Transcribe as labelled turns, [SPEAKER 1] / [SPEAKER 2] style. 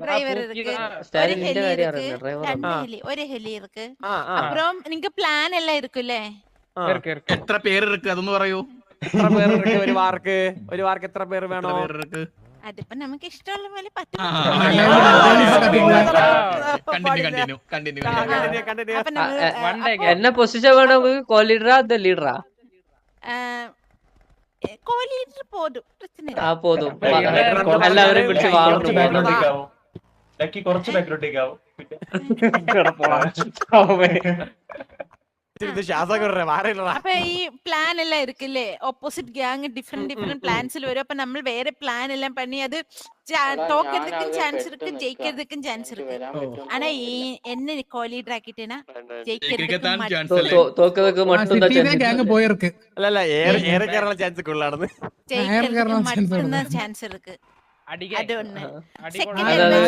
[SPEAKER 1] Driver இருக்கு, ஒரு heli இருக்கு, 2 ஹெலி, ஒரு ஹெலി இருக்கு. அப்புறம் நீங்க பிளான் எல்லாம் இருக்குல்லே?
[SPEAKER 2] എത്ര പേര് ഇருக்கு അതൊന്ന് പറയൂ.
[SPEAKER 3] എത്ര പേര് ഇருக்கு ഒരു വാർക്ക് എത്ര പേര് വേണോ?
[SPEAKER 1] അതിപ്പോ നമുക്ക് ഇഷ്ടമുള്ള പോലെ പറ്റും.
[SPEAKER 4] என்ன பொசிஷன் வேணும் உங்களுக்கு? கோ லீடரா அந்த லீடரா?
[SPEAKER 1] கோ லீடர் போதும், பிரச்சனை இல்ல.
[SPEAKER 4] போதும். எல்லாவரையும் பிடிச்சு வாங்கணும்.
[SPEAKER 5] കുറച്ച് ബാക്ക്ഗ്രൗണ്ടേക്ക് ആവും.
[SPEAKER 1] അപ്പൊ ഈ പ്ലാൻ എല്ലാം ഇരിക്കില്ലേ, ഓപ്പോസിറ്റ് ഗ്യാങ് ഡിഫറെന്റ് പ്ലാൻസിൽ വരും. അപ്പൊ നമ്മൾ വേറെ പ്ലാൻ എല്ലാം പണി അത് തോக்கிறதுக்கும் சான்ஸ் இருக்கு, ஜெயிக்கிறதுக்கும் சான்ஸ் இருக்கு. ஆனா என்ன கோ லீடர் ஆக்கிட்டேனா
[SPEAKER 4] தோக்கிறதுக்கு மட்டும் தான்
[SPEAKER 6] கேங்க போயிருக்கு.
[SPEAKER 3] இல்ல ஏறக்கறல சான்ஸ் குள்ளானது.
[SPEAKER 1] ஜெயிக்கிறதுக்கு மட்டும் தான் சான்ஸ் இருக்கு. அது ஒண்ணு. செகண்ட்